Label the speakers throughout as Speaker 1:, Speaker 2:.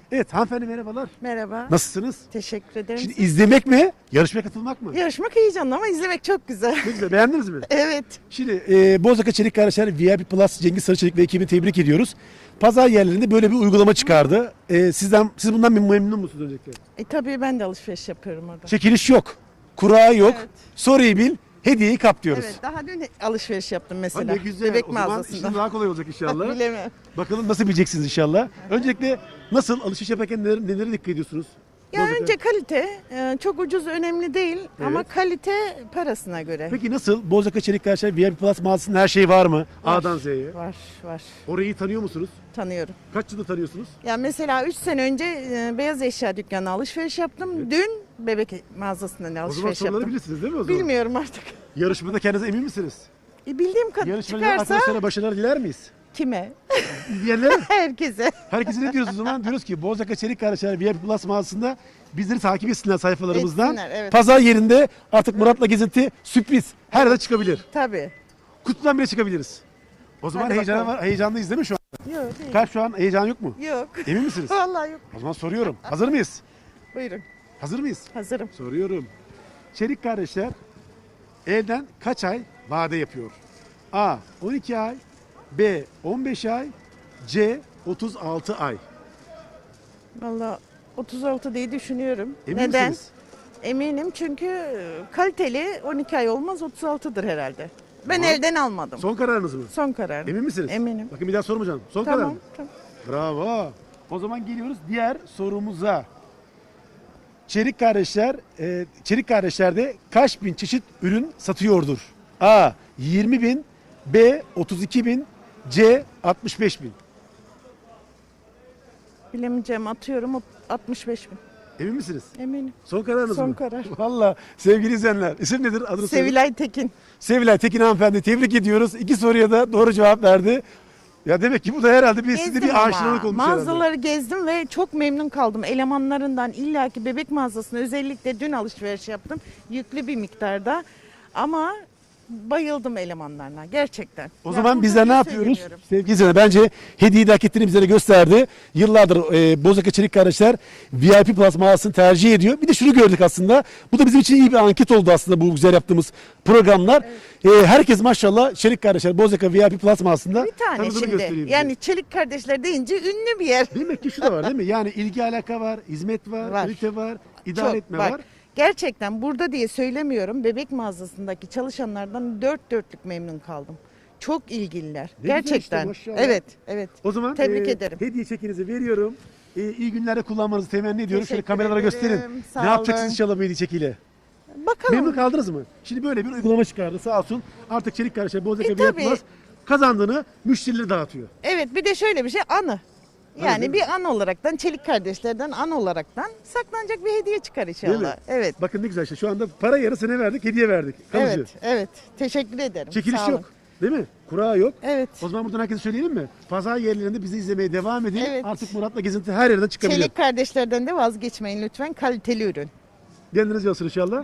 Speaker 1: Evet hanımefendi merhabalar.
Speaker 2: Merhaba.
Speaker 1: Nasılsınız?
Speaker 2: Teşekkür ederim.
Speaker 1: Şimdi izlemek mi? Yarışmaya katılmak mı?
Speaker 2: Yarışmak heyecanlı ama izlemek çok güzel.
Speaker 1: Ne güzel, beğendiniz mi?
Speaker 2: Evet.
Speaker 1: Şimdi Bozaka Çelik Kardeşler VIP Plus Cengiz Sarıçelik ve ekibini tebrik ediyoruz. Pazar yerlerinde böyle bir uygulama çıkardı. Siz bundan memnun musunuz öncelikle?
Speaker 2: Tabii ben de alışveriş yapıyorum orada.
Speaker 1: Çekiliş yok. Kura yok.
Speaker 2: Evet.
Speaker 1: Soruyu bil. Hediyeyi kap diyoruz.
Speaker 2: Evet, daha dün alışveriş yaptım
Speaker 1: Ha,
Speaker 2: mesela.
Speaker 1: ne güzel.
Speaker 2: Bebek
Speaker 1: O zaman
Speaker 2: mağazasında.
Speaker 1: işin daha kolay olacak inşallah.
Speaker 2: Bilemem.
Speaker 1: Bakalım nasıl bileceksiniz inşallah. Öncelikle nasıl alışveriş yaparken nelere dikkat ediyorsunuz?
Speaker 2: Ya
Speaker 1: Bozaka.
Speaker 2: önce kalite, çok ucuz önemli değil ama
Speaker 1: Evet.
Speaker 2: kalite parasına göre.
Speaker 1: Peki nasıl? Bozaka Çelik Kardeşler VIP Plus mağazasında her şey var mı?
Speaker 2: Var.
Speaker 1: A'dan Z'ye.
Speaker 2: Var.
Speaker 1: Orayı tanıyor musunuz?
Speaker 2: Tanıyorum.
Speaker 1: Kaç yıldır tanıyorsunuz?
Speaker 2: Ya mesela 3 sene önce beyaz eşya dükkanına alışveriş yaptım. Dün bebek mağazasından
Speaker 1: O zaman
Speaker 2: alışveriş
Speaker 1: soruları
Speaker 2: yaptım.
Speaker 1: bilirsiniz değil mi o zaman?
Speaker 2: Bilmiyorum artık.
Speaker 1: Yarışmada kendinize emin misiniz?
Speaker 2: Bildiğim kadar
Speaker 1: Yarışmacı
Speaker 2: çıkarsa
Speaker 1: arkadaşlara başarılar diler miyiz?
Speaker 2: kime?
Speaker 1: Diyenlere
Speaker 2: Herkese.
Speaker 1: herkese ne diyoruz o zaman? Diyoruz ki Bozaka Çelik Kardeşler VIP Plus mağazasında bizleri takip etsinler sayfalarımızdan.
Speaker 2: Etsinler, evet.
Speaker 1: Pazar yerinde artık Murat'la gezinti sürpriz. Her yerde çıkabilir.
Speaker 2: Tabii.
Speaker 1: Kutudan bile çıkabiliriz. O zaman
Speaker 2: Hadi bakalım.
Speaker 1: heyecanlıyız değil mi şu an?
Speaker 2: Yok değil.
Speaker 1: Kalp şu an heyecan yok mu?
Speaker 2: Yok.
Speaker 1: Emin misiniz?
Speaker 2: Vallahi yok.
Speaker 1: O zaman soruyorum. Hazır mıyız?
Speaker 2: Buyurun.
Speaker 1: Hazır mıyız?
Speaker 2: Hazırım.
Speaker 1: Soruyorum. Çelik kardeşler evden kaç ay vade yapıyor? A. 12 ay B. 15 ay C. 36 ay.
Speaker 2: Vallahi 36 diye düşünüyorum.
Speaker 1: Emin
Speaker 2: Neden?
Speaker 1: misiniz?
Speaker 2: Eminim çünkü kaliteli 12 ay olmaz 36'dır herhalde. Ben
Speaker 1: Tamam.
Speaker 2: elden almadım.
Speaker 1: Son kararınız mı?
Speaker 2: Son karar.
Speaker 1: Emin misiniz?
Speaker 2: Eminim.
Speaker 1: Bakın bir daha sormayacağım. Son karar
Speaker 2: Tamam.
Speaker 1: mı?
Speaker 2: Tamam.
Speaker 1: Bravo. O zaman geliyoruz diğer sorumuza. Çelik kardeşler, Çelik kardeşlerde kaç bin çeşit ürün satıyordur? A. 20 bin B. 32 bin C. 65 bin.
Speaker 2: Bilemeyeceğim atıyorum 65 bin.
Speaker 1: Emin misiniz?
Speaker 2: Eminim.
Speaker 1: Son kararınız
Speaker 2: Son
Speaker 1: mı?
Speaker 2: karar.
Speaker 1: Valla sevgili izleyenler. İsim nedir? Adını söyleyin.
Speaker 2: Sevilay Tekin.
Speaker 1: Sevilay Tekin hanımefendi tebrik ediyoruz. İki soruya da doğru cevap verdi. Ya demek ki bu da herhalde sizde
Speaker 2: Gezdim
Speaker 1: bir
Speaker 2: ama.
Speaker 1: aşinalık olmuş herhalde.
Speaker 2: Mağazaları gezdim ve çok memnun kaldım. Elemanlarından illaki bebek mağazasına özellikle dün alışveriş yaptım. Yüklü bir miktarda. Ama bayıldım elemanlarına gerçekten.
Speaker 1: O
Speaker 2: Ya
Speaker 1: zaman
Speaker 2: burada
Speaker 1: bizler ne
Speaker 2: bir
Speaker 1: yapıyoruz?
Speaker 2: söylemiyorum.
Speaker 1: Sevgili izleyenler bence hediyeyi de hak ettiğini bize de gösterdi. Yıllardır Bozaka Çelik Kardeşler VIP Plus mağazasını tercih ediyor. Bir de şunu gördük aslında. Bu da bizim için iyi bir anket oldu aslında bu güzel yaptığımız programlar. Herkes maşallah Çelik Kardeşler Bozaka VIP Plus mağazasında
Speaker 2: Bir tane
Speaker 1: tanıdığını gösteriyor
Speaker 2: şimdi.
Speaker 1: bize.
Speaker 2: Yani Çelik kardeşler deyince ünlü bir yer.
Speaker 1: Demek ki şu da var değil mi? Yani ilgi alaka var, hizmet var,
Speaker 2: Var.
Speaker 1: kalite var, idare
Speaker 2: Çok,
Speaker 1: etme
Speaker 2: bak,
Speaker 1: var.
Speaker 2: gerçekten burada diye söylemiyorum. Bebek mağazasındaki çalışanlardan dört dörtlük memnun kaldım. Çok ilgililer.
Speaker 1: Ne güzel işte,
Speaker 2: gerçekten.
Speaker 1: maşallah.
Speaker 2: Evet.
Speaker 1: O zaman
Speaker 2: Tebrik ederim.
Speaker 1: hediye çekinizi veriyorum. İyi günlerde kullanmanızı temenni ediyorum. Şöyle
Speaker 2: Teşekkür
Speaker 1: kameralara
Speaker 2: ederim.
Speaker 1: gösterin.
Speaker 2: Sağ
Speaker 1: Ne yapacaksınız
Speaker 2: olun.
Speaker 1: inşallah bu hediye çekiyle?
Speaker 2: Bakalım.
Speaker 1: Memnun kaldınız mı? Şimdi böyle bir uygulama çıkardı sağ olsun. Artık Çelik Kardeşler Bozaka VIP
Speaker 2: tabii.
Speaker 1: Plus kazandığını müşterilere dağıtıyor.
Speaker 2: Evet bir de şöyle bir şey anı.
Speaker 1: değil
Speaker 2: Yani
Speaker 1: mi?
Speaker 2: bir an olaraktan Çelik kardeşlerden an olaraktan saklanacak bir hediye çıkar
Speaker 1: Değil mi?
Speaker 2: inşallah. Evet.
Speaker 1: Bakın ne güzel işte. Şu anda para yarısını verdik, hediye verdik. Kalıcı.
Speaker 2: Evet. Teşekkür ederim.
Speaker 1: Çekiliş
Speaker 2: Sağ olun.
Speaker 1: yok. Değil mi? Kura yok.
Speaker 2: Evet.
Speaker 1: O zaman buradan herkese söyleyelim mi? Pazar yerlerinde bizi izlemeye devam edin.
Speaker 2: Evet.
Speaker 1: Artık Murat'la gezinti her yerden çıkabilir.
Speaker 2: Çelik kardeşlerden de vazgeçmeyin lütfen. Kaliteli ürün.
Speaker 1: Kendiniz yazsın inşallah.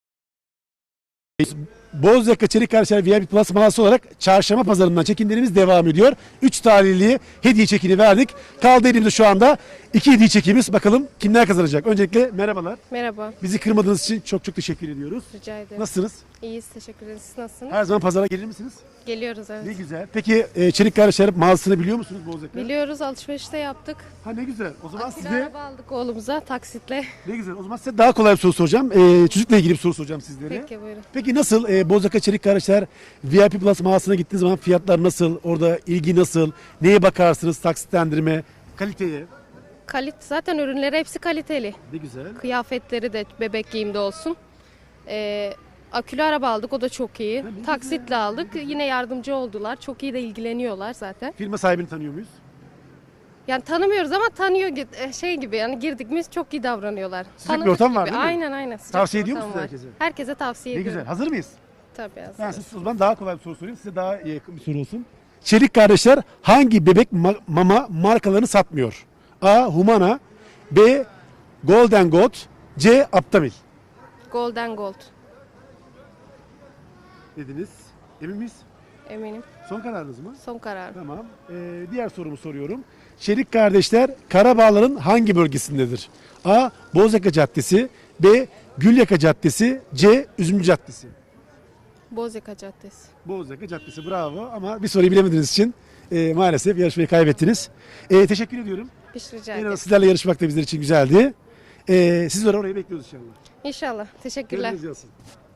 Speaker 1: Bozaka Çelik Kardeşler VIP Plus mağazası olarak çarşamba pazarından çekimlerimiz devam ediyor. 3 tarihli hediye çekini verdik. Kaldı elimizde şu anda 2 hediye çekimiz. Bakalım kimler kazanacak? Öncelikle merhabalar.
Speaker 3: Merhaba,
Speaker 1: Bizi kırmadığınız için çok çok teşekkür ediyoruz.
Speaker 3: rica ederim.
Speaker 1: Nasılsınız?
Speaker 3: İyiyiz, teşekkür ederiz. Siz nasılsınız?
Speaker 1: Her zaman pazara gelir misiniz?
Speaker 3: Geliyoruz evet.
Speaker 1: Ne güzel. Peki Çelik Kardeşler mağazasını biliyor musunuz Bozaka?
Speaker 3: Biliyoruz, alışverişte yaptık.
Speaker 1: Ha ne güzel. O zaman
Speaker 3: Akülü
Speaker 1: size
Speaker 3: araba aldık oğlumuza taksitle.
Speaker 1: ne güzel. O zaman size daha kolay bir soru soracağım. Çocukla ilgili bir soru soracağım sizlere.
Speaker 3: Peki buyurun.
Speaker 1: Peki nasıl Bozaka Çelik Kardeşler VIP Plus mağazasına gittiğiniz zaman fiyatlar nasıl? Orada ilgi nasıl? Neye bakarsınız? Taksitlendirme, kaliteye.
Speaker 3: Zaten ürünleri hepsi kaliteli.
Speaker 1: Ne güzel.
Speaker 3: Kıyafetleri de bebek giyimde olsun. Akülü araba aldık, o da çok iyi.
Speaker 1: ne
Speaker 3: Taksitle aldık, yine yardımcı oldular. Çok iyi de ilgileniyorlar zaten.
Speaker 1: Firma sahibini tanıyor muyuz?
Speaker 3: Yani tanımıyoruz ama tanıyor şey gibi yani girdik mi çok iyi davranıyorlar.
Speaker 1: Sıcak bir
Speaker 3: Tanıdık
Speaker 1: ortam var
Speaker 3: gibi.
Speaker 1: değil mi?
Speaker 3: Aynen. Sıcak
Speaker 1: Tavsiye
Speaker 3: bir
Speaker 1: ediyor
Speaker 3: ortam
Speaker 1: musunuz
Speaker 3: var.
Speaker 1: herkese?
Speaker 3: Herkese tavsiye
Speaker 1: Ne
Speaker 3: ediyorum.
Speaker 1: güzel. Hazır mıyız?
Speaker 3: Tabii
Speaker 1: Ben
Speaker 3: hazırız.
Speaker 1: size o zaman daha kolay bir soru sorayım. Size daha yakın bir soru olsun. Çelik Kardeşler hangi bebek mama markalarını satmıyor? A. Humana B. Golden Goat C. Aptamil.
Speaker 3: Golden Gold.
Speaker 1: Dediniz. Emin miyiz?
Speaker 3: Eminim.
Speaker 1: Son kararınız mı?
Speaker 3: Son karar.
Speaker 1: Tamam. Diğer sorumu soruyorum. Çelik kardeşler Karabağlar'ın hangi bölgesindedir? A. Bozyaka Caddesi, B. Gülyaka Caddesi, C. Üzümcü Caddesi.
Speaker 3: Bozyaka Caddesi.
Speaker 1: Bozyaka Caddesi, bravo, ama bir soruyu bilemediğiniz için maalesef yarışmayı kaybettiniz. Teşekkür ediyorum.
Speaker 3: Bir şey rica
Speaker 1: En
Speaker 3: ederim.
Speaker 1: az sizlerle yarışmak da bizler için güzeldi. Sizleri oraya bekliyoruz inşallah.
Speaker 3: İnşallah. Teşekkürler.
Speaker 1: Gönlünüz yansın.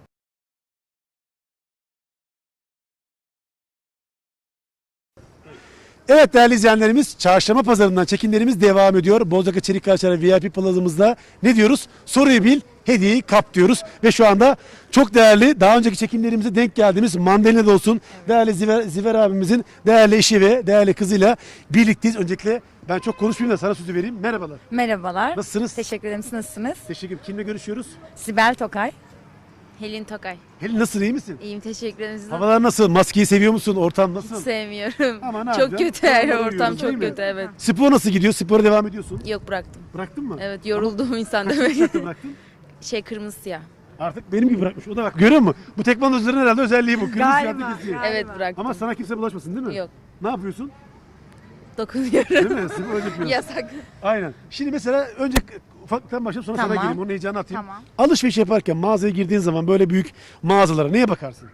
Speaker 1: Evet değerli izleyenlerimiz, Çarşamba Pazarı'ndan çekimlerimiz devam ediyor. Bozyaka Çelik Kardeşler VIP Plaza'mızda ne diyoruz? Soruyu bil, hediyeyi kap diyoruz. Ve şu anda çok değerli, daha önceki çekimlerimize denk geldiğimiz Mandalina'da olsun, değerli Ziver abimizin değerli eşi ve değerli kızıyla birlikteyiz. Öncelikle ben çok konuşmayayım da sana sözü vereyim. Merhabalar.
Speaker 4: Merhabalar.
Speaker 1: Nasılsınız?
Speaker 4: Teşekkür ederim. Siz nasılsınız?
Speaker 1: Teşekkür ederim. Kimle görüşüyoruz?
Speaker 4: Sibel Tokay.
Speaker 5: Helin Tokay.
Speaker 1: Helin, nasılsın, iyi misin?
Speaker 5: İyiyim, teşekkür ederim. Siz
Speaker 1: Havalar nasıl? Maskeyi seviyor musun? Ortam nasıl?
Speaker 5: sevmiyorum.
Speaker 1: Ama ne
Speaker 5: Çok
Speaker 1: yapacaksın?
Speaker 5: kötü her
Speaker 1: Havaları
Speaker 5: ortam,
Speaker 1: yiyoruz, değil
Speaker 5: çok
Speaker 1: mi?
Speaker 5: kötü, evet.
Speaker 1: Spor nasıl gidiyor? Spora devam ediyorsun.
Speaker 5: Yok, bıraktım.
Speaker 1: Bıraktın mı?
Speaker 5: Evet, yorulduğum insan
Speaker 1: Kaç
Speaker 5: demek.
Speaker 1: saatte bıraktın?
Speaker 5: Kırmızı siyah.
Speaker 1: Artık benim gibi bırakmış. O da bak, görüyor musun? Bu tekvandocuların herhalde özelliği bu. Kırmızı
Speaker 4: Galiba,
Speaker 1: siyahlı kesiyor.
Speaker 4: galiba.
Speaker 5: Evet, bıraktım.
Speaker 1: Ama sana kimse bulaşmasın değil mi?
Speaker 5: Yok.
Speaker 1: Ne yapıyorsun?
Speaker 5: Dokunuyorum.
Speaker 1: Değil mi? Spor öyle yapıyorsun.
Speaker 5: Yasak.
Speaker 1: Aynen. Şimdi mesela önce ufaktan başlayıp sonra sana
Speaker 4: Tamam.
Speaker 1: geleyim. Onun heyecanını atayım.
Speaker 4: Tamam.
Speaker 1: Alışveriş yaparken mağazaya girdiğin zaman böyle büyük mağazalara neye bakarsın?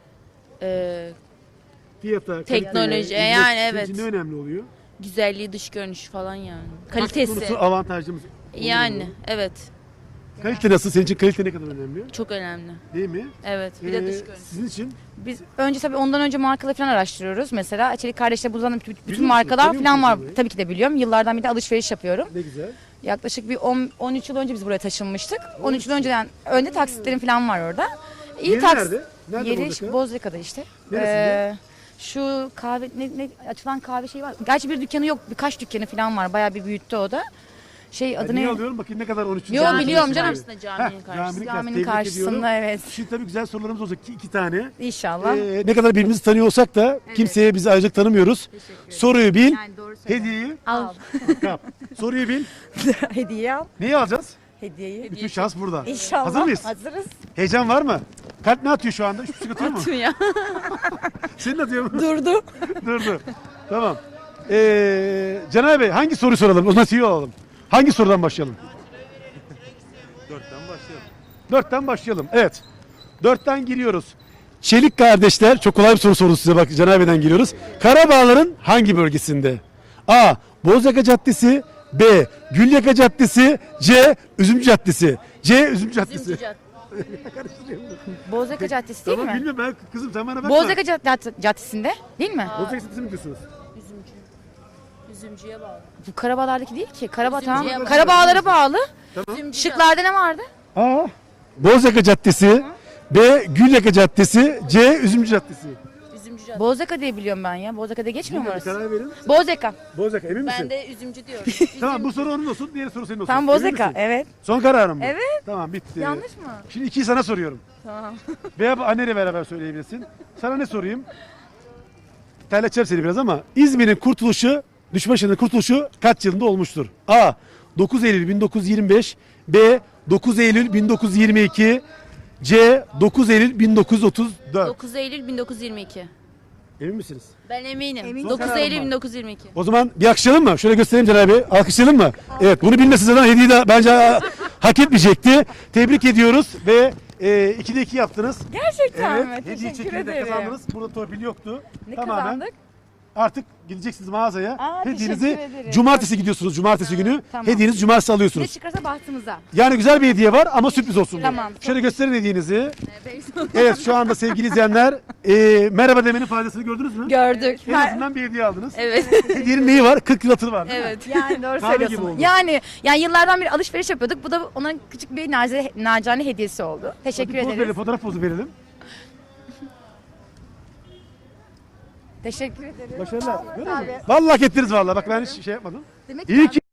Speaker 5: Teknoloji,
Speaker 1: Fiyata, kaliteye, hizmet,
Speaker 5: yani
Speaker 1: senin
Speaker 5: evet.
Speaker 1: için ne önemli oluyor?
Speaker 5: Güzelliği, dış görünüşü falan yani.
Speaker 1: Bak,
Speaker 5: Kalitesi.
Speaker 1: konusu avantajımız.
Speaker 5: Yani evet.
Speaker 1: Kalite nasıl? Senin için kalite ne kadar önemli?
Speaker 5: Çok önemli.
Speaker 1: Değil mi?
Speaker 5: Evet. Bir de dış görünüş.
Speaker 1: Sizin için
Speaker 4: Biz önce tabii ondan önce markaları falan araştırıyoruz. Mesela Çelik Kardeşler buradan bütün
Speaker 1: musun?
Speaker 4: markalar
Speaker 1: Tanıyor
Speaker 4: falan
Speaker 1: musun
Speaker 4: var.
Speaker 1: burayı?
Speaker 4: Tabii ki de biliyorum. Yıllardan beri alışveriş yapıyorum.
Speaker 1: ne güzel.
Speaker 4: Yaklaşık bir 13 yıl önce biz buraya taşınmıştık. 13 yıl önceden önde taksitlerim falan var orada.
Speaker 1: Yeri nerede? Nerede
Speaker 4: Yeri
Speaker 1: Bozyaka?
Speaker 4: Bozyaka'da işte.
Speaker 1: Neresinde?
Speaker 4: Şu kahve açılan kahve şeyi var. Gerçi bir dükkanı yok. Birkaç dükkanı falan var. Bayağı bir büyüttü o da. Adı
Speaker 1: Niye
Speaker 4: ne?
Speaker 1: alıyorum? Bakayım ne kadar 13.
Speaker 4: Yo,
Speaker 1: sene
Speaker 4: biliyorum
Speaker 1: yaşında.
Speaker 4: canım.
Speaker 5: Karşısında, caminin
Speaker 1: Heh,
Speaker 5: karşısında.
Speaker 4: Caminin
Speaker 1: tebrik
Speaker 4: karşısında,
Speaker 1: ediyorum.
Speaker 4: evet.
Speaker 1: Şimdi tabii güzel sorularımız olacak. İki tane.
Speaker 4: İnşallah.
Speaker 1: Ne kadar birbirimizi tanıyor olsak da kimseye bizi ayrıca tanımıyoruz. Soruyu bil,
Speaker 4: doğru
Speaker 1: hediyeyi
Speaker 4: Al.
Speaker 1: kap. Soruyu bil,
Speaker 4: Hediye al.
Speaker 1: neyi alacağız?
Speaker 4: Hediyeyi.
Speaker 1: Bütün şans burada.
Speaker 4: İnşallah.
Speaker 1: Hazır mıyız?
Speaker 4: Hazırız.
Speaker 1: Heyecan var mı? Kalp ne atıyor şu anda? Hiçbir şey atıyor mu?
Speaker 5: Ya.
Speaker 1: Senin atıyor mu?
Speaker 4: Durdu.
Speaker 1: Durdu. Tamam. Caner Bey, hangi soruyu soralım? O zaman tüyo alalım. Hangi sorudan başlayalım? Dörtten başlayalım. Evet. Dörtten giriyoruz. Çelik kardeşler, çok kolay bir soru sordu size, bak Caner Bey'den giriyoruz. Karabağlar'ın hangi bölgesinde? A. Bozyaka Caddesi, B. Gülyaka Caddesi, C. Üzümcü Caddesi. C. Üzümcü Caddesi.
Speaker 4: Bozyaka Caddesi değil
Speaker 1: Tamam,
Speaker 4: mi?
Speaker 1: bilmiyorum ben kızım, sen bana bakma.
Speaker 4: Bozyaka Caddesi'nde değil mi?
Speaker 1: Bozyaka Caddesi mi diyorsunuz?
Speaker 5: Üzümcüye bağlı.
Speaker 4: Bu Karabağlar'daki değil ki. Karabağ tamam.
Speaker 5: Üzümcüye bağlı.
Speaker 4: Karabağlar'a bağlı.
Speaker 1: Tamam.
Speaker 4: Şıklarda ne vardı?
Speaker 1: A. Bozyaka Caddesi, B. Gülyaka Caddesi, C. Üzümcü Caddesi.
Speaker 5: Üzümcü.
Speaker 4: Bozyaka diye biliyorum ben ya. Bozyaka diye geçmiyor mu
Speaker 1: Bir
Speaker 4: orası?
Speaker 1: karar verin.
Speaker 4: Bozyaka.
Speaker 1: Bozyaka, emin misin?
Speaker 5: Ben de üzümcü diyorum.
Speaker 1: Tamam, bu soru onun olsun, diğer soru senin olsun.
Speaker 4: Tam
Speaker 1: Emin
Speaker 4: Bozyaka.
Speaker 1: misin?
Speaker 4: Evet.
Speaker 1: Son kararım mı?
Speaker 4: Evet.
Speaker 1: Tamam, bitti.
Speaker 4: Yanlış mı?
Speaker 1: Şimdi ikiyi sana soruyorum.
Speaker 4: Tamam.
Speaker 1: Veya anneyle beraber söyleyebilirsin. Sana ne sorayım? Terleteceğim seni biraz ama İzmir'in kurtuluşu, Düşmanşehir'in kurtuluşu kaç yılında olmuştur? A. 9 Eylül 1925, B. 9 Eylül 1922, C. 9 Eylül 1934.
Speaker 5: 9 Eylül 1922.
Speaker 1: Emin misiniz?
Speaker 5: Ben eminim.
Speaker 4: Eminim.
Speaker 5: 9
Speaker 1: Son
Speaker 5: Eylül
Speaker 1: kararım
Speaker 5: 1922.
Speaker 1: O zaman bir alkışlayalım mı? Şöyle göstereyim Caner Bey. Alkışlayalım mı? Evet, bunu bilmesi zaten hediyeyi de bence hak etmeyecekti. Tebrik ediyoruz ve 2'de 2 yaptınız.
Speaker 4: Gerçekten mi?
Speaker 1: Evet, hediye
Speaker 4: Teşekkür
Speaker 1: çekini de
Speaker 4: ederim.
Speaker 1: kazandınız. Burada torpil yoktu.
Speaker 4: Ne
Speaker 1: Tamamen
Speaker 4: kazandık?
Speaker 1: artık gideceksiniz mağazaya.
Speaker 4: Aa,
Speaker 1: Hediyenizi
Speaker 4: teşekkür ederim.
Speaker 1: cumartesi gidiyorsunuz. Cumartesi günü.
Speaker 4: Tamam.
Speaker 1: Hediyenizi cumartesi
Speaker 4: Ne
Speaker 1: alıyorsunuz.
Speaker 4: çıkarsa bahtımıza.
Speaker 1: Yani güzel bir hediye var ama sürpriz olsun. bu.
Speaker 4: Tamam, çok
Speaker 1: Şöyle gösterin hediyenizi. Evet, şu anda sevgili izleyenler merhaba demenin faydasını gördünüz mü?
Speaker 4: Gördük.
Speaker 1: En azından bir hediye aldınız.
Speaker 5: Evet.
Speaker 1: Hediyenin neyi var? 40 yıl hatırı var değil mi?
Speaker 5: Evet.
Speaker 4: Yani doğru
Speaker 1: Kahve gibi
Speaker 4: söylüyorsun.
Speaker 1: oldu.
Speaker 4: Yani yıllardan beri alışveriş yapıyorduk. Bu da onun küçük bir nacizane hediyesi oldu. Teşekkür
Speaker 1: Hadi poz
Speaker 4: ederiz.
Speaker 1: verelim, fotoğraf pozu verelim.
Speaker 4: Teşekkür ederim.
Speaker 1: Başarılar. Görüyor musun? Vallahi hak ettiniz vallahi. Bak ben hiç şey yapmadım.
Speaker 4: Demek ki
Speaker 1: İyi ki